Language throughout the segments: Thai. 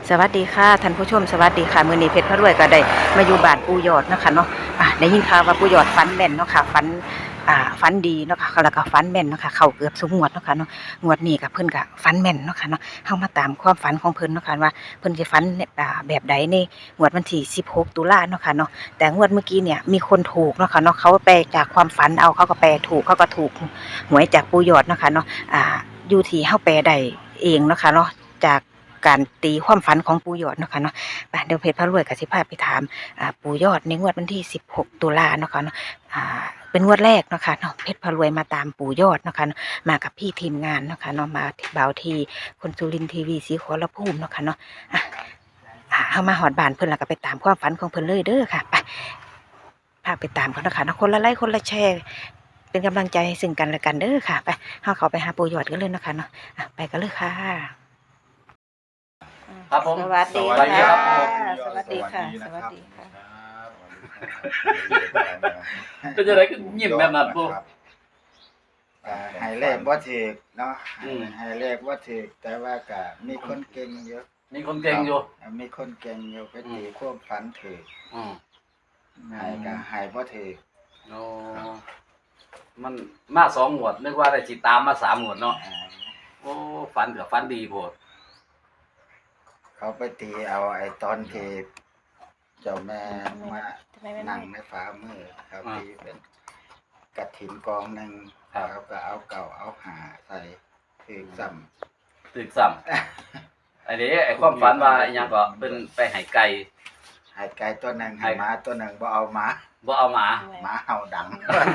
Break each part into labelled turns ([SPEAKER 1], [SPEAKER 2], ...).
[SPEAKER 1] สวัสดีค่ะท่านผู้ชมสวัสดีค่ะมื้อนี้เพชรพระรวยก็ได้มาอยู่บ้านปู่ยอดเนาะค่ะเนาะได้ยินข่าวว่าปู่ยอดฝันแม่นเนาะค่ะฝันดีเนาะค่ะแล้วก็ฝันแม่นเนาะค่ะเข้าเกือบทุกงวดเนาะค่ะเนาะงวดนี้ก็เพิ่นก็ฝันแม่นเนาะค่ะเนาะเฮามาตามความฝันของเพิ่นเนาะค่ะว่าเพิ่นสิฝันแบบใดในงวดวันที่16ตุลาเนาะค่ะเนาะแต่งวดเมื่อกี้เนี่ยมีคนถูกเนาะค่ะเนาะเขาแปลจากความฝันเอาเขาก็แปลถูกเขาก็ถูกหวยจากปู่ยอดเนาะค่ะเนาะอยู่ที่เฮาแปลได้เองเนาะค่ะเนาะจากการตีความฝันของปู่ยอดเนาะค่ะเนาะเดี๋ยวเพชรพระรวยกับสิพาไปถามปู่ยอดในงวดวันที่16ตุลาเนาะค่ะเนาะเป็นงวดแรกเนาะค่ะเนาะเพชรพระรวยมาตามปู่ยอดเนาะค่ะมากับพี่ทีมงานเนาะค่ะเนาะมาที่บ่าวที่คนสุรินทร์ทีวีสีขอรภูมิเนาะค่ะเนาะเข้ามาหอดบ้านเพิ่นแล้วก็ไปตามความฝันของเพิ่นเลยเด้อค่ะไปพาไปตามกันเนาะค่ะเนาะคนละไลค์คนละแชร์เป็นกำลังใจให้ซึ่งกันและกันเด้อค่ะไปเข้าไปหาปู่ยอดกันเลยเนาะค่ะเนาะไปกันเลยค่ะ
[SPEAKER 2] ครับผม
[SPEAKER 1] สวัสดี
[SPEAKER 2] สวัสดีครับผม
[SPEAKER 1] สวัสดีค่ะ สวัสดีค่ะ
[SPEAKER 2] เป็นยังไงก็ยิ้มแบบนั้นปุ๊
[SPEAKER 3] ให้เลขบ่ถูกเนาะ
[SPEAKER 2] อืม
[SPEAKER 3] ให้เลขบ่ถูกแต่ว่าก็มีคนเก่งเยอะ
[SPEAKER 2] มีคนเก่งอยู่
[SPEAKER 3] มีคนเก่งอยู่ไปตีความฝันถูก
[SPEAKER 2] อืม
[SPEAKER 3] ให้ก็ให้บ่ถูก
[SPEAKER 2] โอ้มันมา2 งวดนึกว่าได้สิตามมา3 งวดเนาะ โอ้ฝันก็ฝันดีโพด
[SPEAKER 3] เขาไปตีเอาไอ้ตอนที่เจ้าแม่มานั่งในฝ่ามือเขาตีเป็นกฐินกองหนึงเขาก็เอาเก่าเอาหาใส่ถูกซ้ำ
[SPEAKER 2] ตึกซ้ำไอ้นี่ไอ้ความฝันว่าอิหยังก็เป็นไปให้ไก่
[SPEAKER 3] ให้ไก่ตัวหนึงให้หมาตัวหนึงบ่เอาหมา
[SPEAKER 2] บ่เอาหมา
[SPEAKER 3] หมาเห่าดัง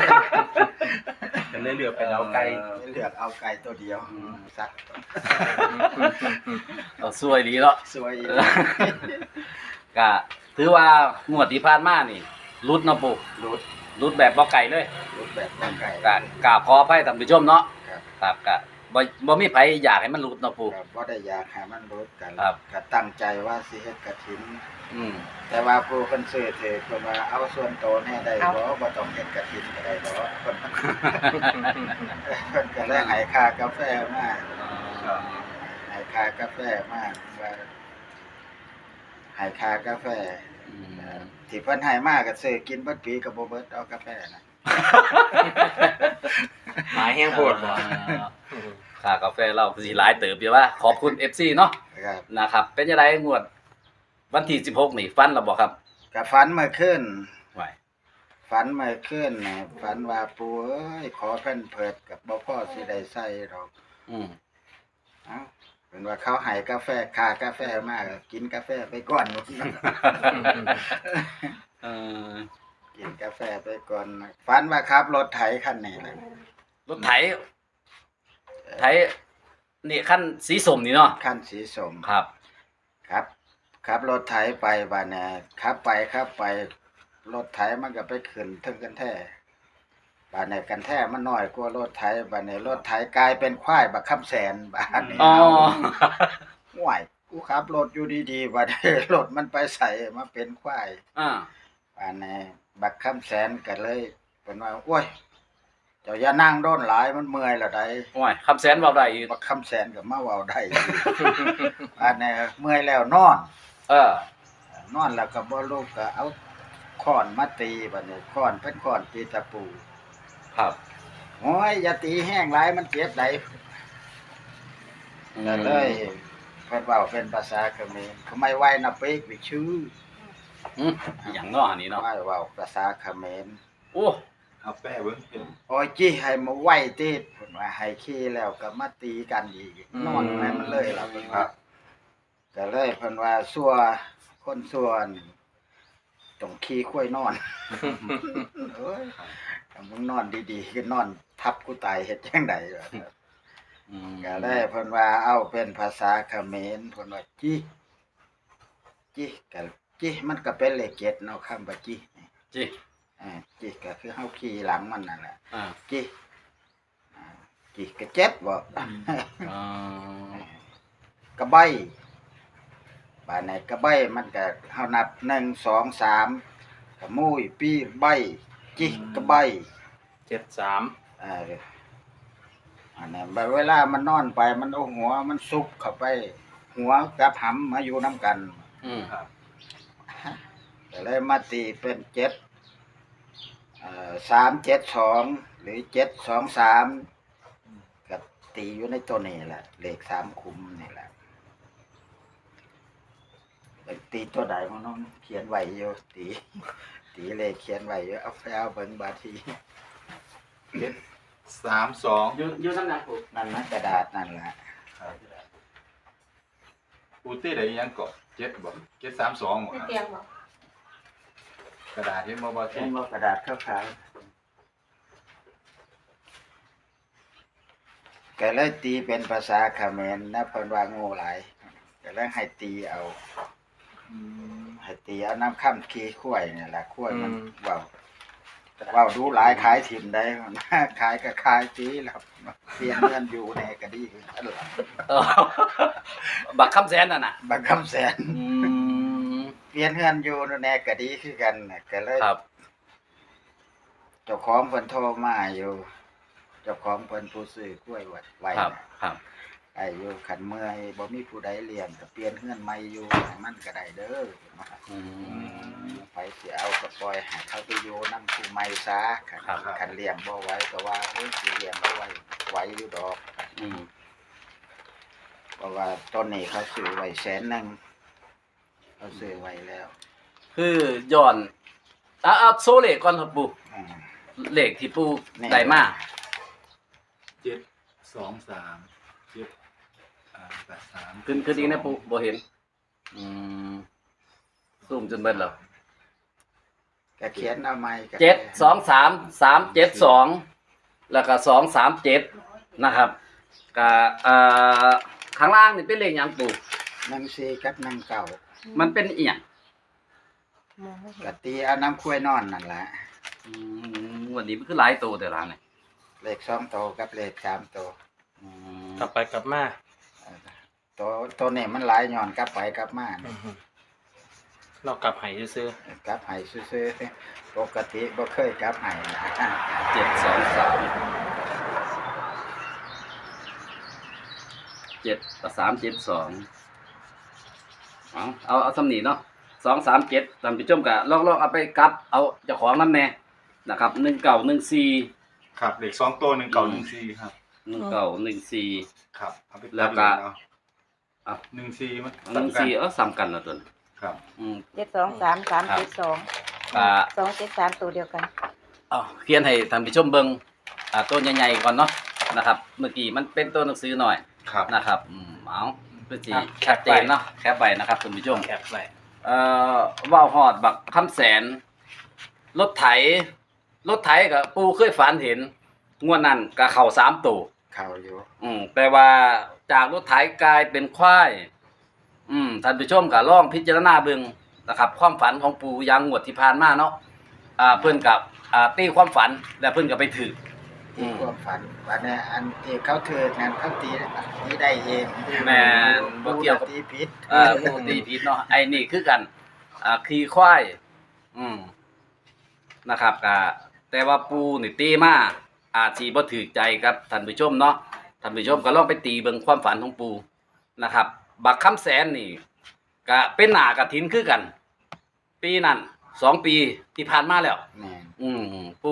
[SPEAKER 4] ก็เลยเลือกเป็นเอาไก่
[SPEAKER 3] เลือกเอาไก่ตัวเดียวสัก
[SPEAKER 2] เอาสวยดีเนาะ
[SPEAKER 3] สวยอีก
[SPEAKER 2] ก็ถือว่างวดที่ผ่านมานี่รุดเนาะปู่รุดแบบบ่ไก่เลย
[SPEAKER 3] รูปแบบร่างไก่
[SPEAKER 2] ก็กราบขออภัยท่านผู้ชมเนาะ
[SPEAKER 3] ครับ
[SPEAKER 2] ครับก็บ่มีไผอยากให้มันรุดเนาะปู่
[SPEAKER 3] ครับบ่ได้อยากให้มันรู้กัน
[SPEAKER 2] ครับ
[SPEAKER 3] ก็ตั้งใจว่าสิเฮ็ดกฐิน
[SPEAKER 2] อืม
[SPEAKER 3] แต่ว่าผู้เพิ่นซื้อเถอะเพิ่นว่าเอาส่วนโตวแน่ได้บ่บ่ต้องเฮ็ดกฐินก็ได้บ่เพิ่น เพิ่นก็เลยให้ค่ากาแฟมาให้ค่ากาแฟมาว่าให้ค่ากาแฟ
[SPEAKER 2] อืม
[SPEAKER 3] ที่เพิ่นให้มาก็ซื้อกินเบิดปีก็บ่เบิดเอากาแฟน่ะ
[SPEAKER 4] หมายแห้งโพดบ่
[SPEAKER 2] ค่ากาแฟเราสิหลายเติบอยู่ว่าขอบคุณ FC เนาะ
[SPEAKER 3] ครับ
[SPEAKER 2] นะครับ เป็นจังไดงวดวันที่16นี่ฟันแล้วบ่ครับ
[SPEAKER 3] ก็ฝันเมื่อคืน
[SPEAKER 2] ไว้
[SPEAKER 3] ฝันเมื่อคืนน่ะฝันว่าปู่เอ้ยขอเพิ่นเพิดกับบ่พอสิได้ใส่ดอก
[SPEAKER 2] อืม
[SPEAKER 3] เอ้าเป็นว่าเขาให้กาแฟค่ากาแฟมาก็กินกาแฟไปก่อน
[SPEAKER 2] เออ
[SPEAKER 3] กินกาแฟไปก่อนฝันว่าขับรถไถคันนี้แหละ
[SPEAKER 2] รถไถนี่คันสีส้มนี่เนาะ
[SPEAKER 3] คันสีส้ม
[SPEAKER 2] ครับ
[SPEAKER 3] ครับขับรถไถไปบ้านน่ะขับไปรถไถมันก็ไปขึ้นถึงกันแท้บ้านนี้กันแท้มันน้อยกว่ารถไถบ้านนี้รถไถกลายเป็นควายบักคำแสนบ้านนี้
[SPEAKER 2] อ๋อ
[SPEAKER 3] ห่วยกูขับรถอยู่ดีๆบัดนี้รถมันไปใส่มาเป็นควาย
[SPEAKER 2] อ่า
[SPEAKER 3] บ้านนี้บักคำแสนก็เลยเป็นว่าโอ้ยเจ้าอย่านั่งโดนหลายมันเมื่อยแล้วได้
[SPEAKER 2] โอ้ยคำแสนเว้าได้อีก
[SPEAKER 3] บักคำแสนก็มาเว้าได้ บ้านนี้เมื่อยแล้วนอน
[SPEAKER 2] เออ
[SPEAKER 3] นอนแล้วก็บ่ลุกก็เอาค้อนมาตีบัดนี้ค้อนเป็นค้อนตีตะปู
[SPEAKER 2] ครับ
[SPEAKER 3] โอ้ยอย่าตีแห้งหลายมันเจ็บไหลก็เลยเพิ่นเว้าเป็นภาษาเขมรทำไมไหวนะเป๊กวิชื่อ
[SPEAKER 2] อืมอหย่างเนาะอันนี้เนาะ
[SPEAKER 3] ไหวเว้าภาษาเขมร
[SPEAKER 2] โอ้
[SPEAKER 4] เอาแป้เบิ่งเห็น
[SPEAKER 3] โอ้ยจี้ให้มาไหวติดเพิ่นว่าให้ขี้แล้วก็มาตีกันอีกนอนให้มันเลยล่ะเพิ่นว่าก็เลยเพิ่นว่าซัวคนซัวนี่ต้องขี้ค่อยนอน เอ้ยถ้ามึงนอนดีๆก็นอนทับกูตายเฮ็ดจังไดวะ
[SPEAKER 2] อืม
[SPEAKER 3] ก็เลยเพิ่นว่าเอาเป็นภาษาเขมรเพิ่นว่าจิก็จิมันก็เป็นเลข7เนาะคำว่าจิ
[SPEAKER 2] จิ
[SPEAKER 3] จิก็คือเฮาขี่หลังมันนั่นแหละ
[SPEAKER 2] อ่า
[SPEAKER 3] จิจิก็เจ็บบ่
[SPEAKER 2] อ่าก
[SPEAKER 3] ระใบบ้านไหนกระใบมันก็เฮานับ1 2 3ก็มุ้ยปีใบจิกระใบ
[SPEAKER 4] 73
[SPEAKER 3] อันนั้นบัดเวลามันนอนไปมันเอาหัวมันซุกเข้าไปหัวกับหำมาอยู่น้ำกัน
[SPEAKER 2] อืม
[SPEAKER 4] ครับ
[SPEAKER 3] ก็เลยมาตีเป็น372หรือ723กับตีอยู่ในตัวนี้แหละเลข3คุมนี่แหละตีตัวใดมันน้องเขียนไว้อยู่ตีเลขเขียนไว้อยู่เอาไปเอาเบิ่งบาที
[SPEAKER 4] 32
[SPEAKER 2] อยู่นั่นนะปู
[SPEAKER 3] นั่นนะกระดาษนั่นแหละ
[SPEAKER 4] ปูตี้ได้ยังเกาะ7บ่732บ่
[SPEAKER 5] ไม่
[SPEAKER 4] ครับ
[SPEAKER 5] เตียงบอก
[SPEAKER 4] กระดาษที่บ่บ่
[SPEAKER 3] เขี
[SPEAKER 4] ที่
[SPEAKER 3] ยนว่ากระดาษขาวๆก็เลยตีเป็นภาษาเขมรนะเพิ่นว่าโง่หลายก็เลยให้ตีเอา ให้ตีเอาน้ำข้ามขี้ข้วยนี่แหละข้วยมันเว้าดูหลายขายถิ่มได้ ขายก็ขายจีแล้วเปลี่ยนเงินอยู่ในก็ดีคือกันล่ะ
[SPEAKER 2] เออบักคำแสนน่ะนะ
[SPEAKER 3] บางคำแสน
[SPEAKER 2] อืม
[SPEAKER 3] เปลี่ยนเงินอยู่ในก็ดีคือกันน่ะก็เลย
[SPEAKER 2] ครับ
[SPEAKER 3] เจ้าของเพิ่นโทรมาอยู่เจ้าของเพิ่นผู้ซื้อกล้วยไว้
[SPEAKER 2] ครับ
[SPEAKER 3] น่ะ
[SPEAKER 2] ครับ
[SPEAKER 3] ไอ้อยู่ขันเมื่อยบ่มีผู้ใดเลี้ยงก็เปลี่ยนเฮือนใหม่อยู่ให้มันก็ได้เด้อ
[SPEAKER 2] อืม
[SPEAKER 3] ไปสิเอาก็ปล่อยให้เขาไปอยู่นำผู้ใหม่ซะ
[SPEAKER 2] ครับ
[SPEAKER 3] คันเลี้ยงบ่ไหวก็ว่าเอ้ยสิเลี้ยงบ่ไหวอยู่ดอก
[SPEAKER 2] อืม
[SPEAKER 3] เพราะว่าต้นนี้เขาซื้อไว้100,000เขาซื้อไว้แล้ว
[SPEAKER 2] คือย้อนเอาโซเลขก่อนครับปู
[SPEAKER 3] อืม
[SPEAKER 2] เลขที่ปู
[SPEAKER 3] นี่
[SPEAKER 2] ได้มา
[SPEAKER 4] 723 83
[SPEAKER 2] ขึ้นอีกนะปูบ่เห็น อืมซูมจนเบิดแล้ว
[SPEAKER 3] ก็เขียนเอาใหม่ก็
[SPEAKER 2] 723 แล้วก็237นะครับก็ข้างล่างนี่เป็นเลขหยังปู
[SPEAKER 3] 14กับ19
[SPEAKER 2] มันเป็นอีหยัง
[SPEAKER 5] มองไม่เห็
[SPEAKER 3] ก็
[SPEAKER 5] น
[SPEAKER 3] ตีเอาน้ำข้วยนอนนั่นแหละ
[SPEAKER 2] อืมวันนี้มันคือหลายตัวแต่ละนี่
[SPEAKER 3] เลข2ตัวกับเลข3ตัว
[SPEAKER 2] อืม
[SPEAKER 4] กลับไปกลับมา
[SPEAKER 3] ตัวนี้มันหลายย้อนกลับไปกลับมา
[SPEAKER 4] เรากลับให้ซื่อก
[SPEAKER 3] ลับให้ซื่อๆปกติบ่เคยกลับให้นะ
[SPEAKER 2] เอาสำนีเนาะ237ท่านผู้ชมก็ลองเอาไปกลับเอาเจ้าของนำแน่นะครับ1914
[SPEAKER 4] ครับเลข2ตัว1914ครับ
[SPEAKER 2] 1914
[SPEAKER 4] ครับเอาไปตัด
[SPEAKER 2] แล้วก็
[SPEAKER 4] เนาะ
[SPEAKER 2] อ่ะ
[SPEAKER 4] 14มัน
[SPEAKER 2] 14ซ้ำกันแล้วตัวนี้
[SPEAKER 4] ครับ
[SPEAKER 5] 723
[SPEAKER 2] อ่า
[SPEAKER 5] 273ตัวเดียวกัน
[SPEAKER 2] เขียนให้ท่านผู้ชมเบิ่งตัวใหญ่ๆก่อนเนาะนะครับ เมื่อกี้มันเป็นตัวหนังสือหน่อย
[SPEAKER 4] ครับ
[SPEAKER 2] นะครับเอาเพื่อสิ
[SPEAKER 4] ครับ
[SPEAKER 2] ชัดเจนเนาะแคปไว้นะครับท่านผู้ชม
[SPEAKER 4] แคปไว้
[SPEAKER 2] ว่าวฮอดบักคำแสนรถไถกับปูเคยฝันเห็นงวดนั้นก็เข้า3ตัว
[SPEAKER 3] เข้าอยู่
[SPEAKER 2] แต่ว่าจากรถไถกลายเป็นควายท่านผู้ชมก็ลองพิจารณาเบิ่งนะครับความฝันของปูอยังงวดที่ผ่านมาเนาะเพิ่นกับตีความฝันแล้วเพิ่นก็ไปถือ
[SPEAKER 3] ที่ความฝันวันนี้อันที่เขาเถิดนั้นเขาตีได้เอง
[SPEAKER 2] แม่นบ่เกี่ยวกับ
[SPEAKER 3] ตีผิด
[SPEAKER 2] ปูตีผิดเนาะไอ้นี่คือกันขี่ควายนะครับแต่ว่าปูนี่ตีมาอาจสิบ่ถูกใจกับท่านผู้ชมเนาะท่านผู้ชมก็ลองไปตีเบิ่งความฝันของปูนะครับ บักคำแสนนี่ก็เป็นหน้ากฐินคือกัน ปีนั้น2 ปีที่ผ่านมาแล้ว
[SPEAKER 3] แม่น
[SPEAKER 2] ปู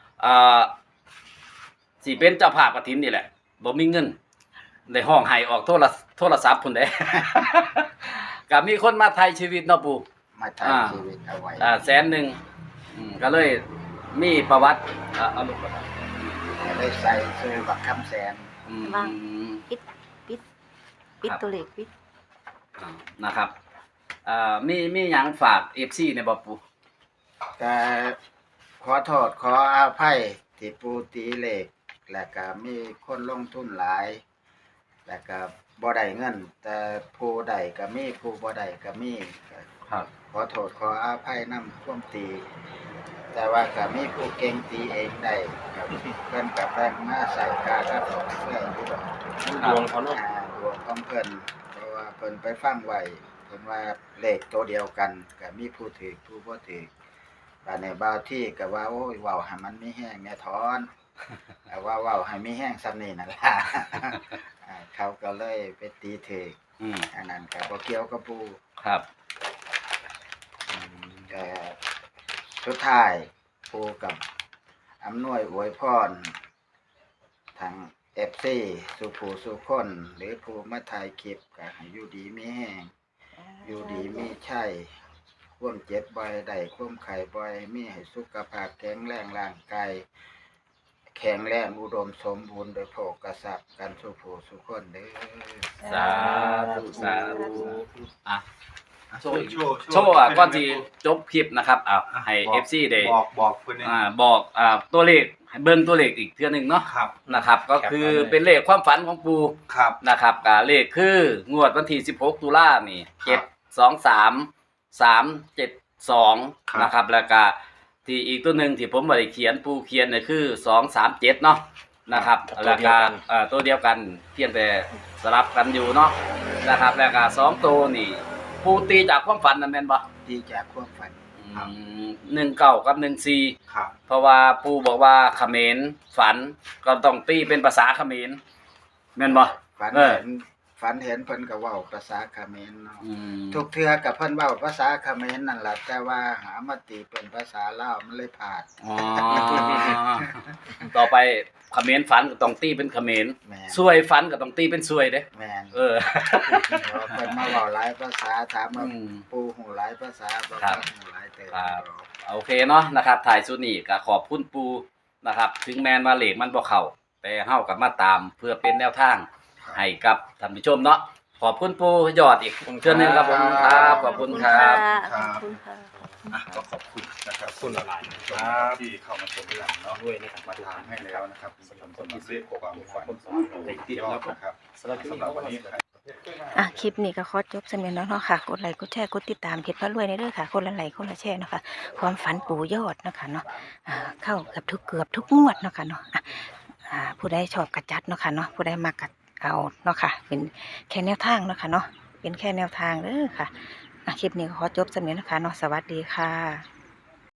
[SPEAKER 2] สิเป็นเจ้าภาพกฐินนี่แหละบ่มีเงินได้ห้องให้ออกโทรศัพท์พุ่นเด้ ก็มีคนมาไทยชีวิตเนาะปู
[SPEAKER 3] มาถ่ายชีวิตเอาไว้
[SPEAKER 2] 100,000ก็เลยมีประวัติเอาลูกก่อน
[SPEAKER 3] ก็เลยใส่ซื้อบักคำแสน
[SPEAKER 5] ว่าง ปิดตัวเลขปิด
[SPEAKER 2] นะครับมีหยังฝาก FC ในบ่ปู
[SPEAKER 3] ก็ขอโทษขออภัยที่ปูตีเลขแล้วก็มีคนลงทุนหลาย แล้วก็บ่ได้เงิน แต่ผู้ใดก็มีผู้บ่ได้ก็มีก็
[SPEAKER 2] ครับ
[SPEAKER 3] ขอโทษขออภัยนำความตี แต่ว่าก็มีผู้เก่งตีเองได้ครับเพิ่นก็แบ่งมาใส่กากับเพื่อนอยู่ดอก
[SPEAKER 4] ดวงเขาเนาะ
[SPEAKER 3] ดวงของเพิ่นเพราะว่าเพิ่นไปฟังไว้เพิ่นว่าเลขตัวเดียวกันก็มีผู้ถือผู้บ่ถือบัดนี้บางที่ก็ว่าโอ้ยเว้าให้มันมีแห้งแน่ถอน แต่ว่าเว้าให้มีแห้งซ้ำนี่นั่นล่ะเขาก็เลยไปตีเถก
[SPEAKER 2] อืม
[SPEAKER 3] อันนั้นก็บ่เกี่ยวกับปู
[SPEAKER 2] ครับ
[SPEAKER 3] แต่สุดท้ายปูกับอำนวยอวยพรทาง FC สุผู้สุคนหรือผู้มาถ่ายคลิปก็ให้อยู่ดีมีแห้งอยู่ดีมีชัยความเจ็บบ่อยได้ความไข้บ่อยมีให้สุขภาพแข็งแรงร่างกายแข็งแรงอุดมสมบูรณ์โดยโภคทรัพย์กันสุผู้สุคนเด้อ
[SPEAKER 2] สาธุสาธุอ่ะโชว์
[SPEAKER 4] โชว์
[SPEAKER 2] โชว์ก่อนที่จบคลิปนะครับให้ FC ได้
[SPEAKER 4] บอกเพิ่นนี่
[SPEAKER 2] บอกตัวเลขให้เบิ่งตัวเลขอีกเทื่อหนึงเนาะ
[SPEAKER 4] ครับ
[SPEAKER 2] นะครับ ก็คือเป็นเลขความฝันของปู่
[SPEAKER 4] ครับ
[SPEAKER 2] นะครับก็เลขคืองวดวันที่16ตุลานี่
[SPEAKER 4] ครับ
[SPEAKER 2] 723 372นะครับแล้วก็ที่อีกตัวหนึงที่ผมบ่ได้เขียนปู่เขียนเนี่ยคือ237เนาะนะครับแล้วก็ตัวเดียวกันเพียงแต่สลับกันอยู่เนาะนะครับแล้วก็2ตัวนี่ปู่ตีจากความฝันนั่นแม่นบ่
[SPEAKER 3] ดีจากความฝัน
[SPEAKER 2] 19กับ14
[SPEAKER 4] ครับ
[SPEAKER 2] เพราะว่าปู่บอกว่าเขมรฝันก็ต้องตีเป็นภาษาเขมรแม่นบ่
[SPEAKER 3] ฝัน
[SPEAKER 2] เออ
[SPEAKER 3] เห็นฝันเห็นเพิ่นก็เว้าภาษาเขมรเนาะ
[SPEAKER 2] อืม
[SPEAKER 3] ทุกเทื่อกับเพิ่นเว้าภาษาเขมรนั่นล่ะแต่ว่าหามาตีเป็นภาษาลาวมันเลยพลาด
[SPEAKER 2] อ๋อต่อไปเขมรฝันก็ต้องตีเป็นเขมร
[SPEAKER 3] แม่น
[SPEAKER 2] ซวยฝันก็ต้องตีเป็นซวยเด้
[SPEAKER 3] แม่น
[SPEAKER 2] เออ
[SPEAKER 3] เพราะเพิ่นมาเว้าหลายภาษาถามว่า
[SPEAKER 2] อืม
[SPEAKER 3] ปู่ฮู้หลายภาษาบ่
[SPEAKER 2] ครับ
[SPEAKER 3] ฮู้หลายเติบ
[SPEAKER 2] ครับ โอเคเนาะนะครับถ่ายสุดนี้ก็ขอบคุณปูนะครับ ถึงแม้นว่าเลขมันบ่เข้าแต่เฮากับมาตามเพื่อเป็นแนวทางให้กับท่านผู้ชมเนาะขอบคุณปูยอดอีกเทื่อหนึงครับผมครับขอบคุณครับ
[SPEAKER 5] ขอบคุณค่ะ
[SPEAKER 4] อ่ะก็ขอบคุณนะครับคุณหลายๆนะครับที่เข้ามาชมหลังเนาะด้วยนะครับมาถามให้แล้วนะครับสำหรับคนที่ซื้อความฝันที่ยอดนะครับสำหรับวันนี้
[SPEAKER 1] คลิปนี้ก็ขอจบสำเนียงแล้วเนาะค่ะกดไลค์กดแชร์กดติดตามเพจพระรวยในเด้อค่ะคนละไลค์คนละแชร์เนาะค่ะความฝันปู่ยอดเนาะค่ะเนาะเข้าเกือบทุกงวดเนาะค่ะเนาะผู้ใดชอบกระจัดเนาะค่ะเนาะผู้ใดมากัดเอาเนาะค่ะเป็นแค่แนวทางเนาะค่ะเนาะเป็นแค่แนวทางเด้อค่ะคลิปนี้ก็ขอจบสำเนียงแล้วค่ะเนาะสวัสดีค่ะ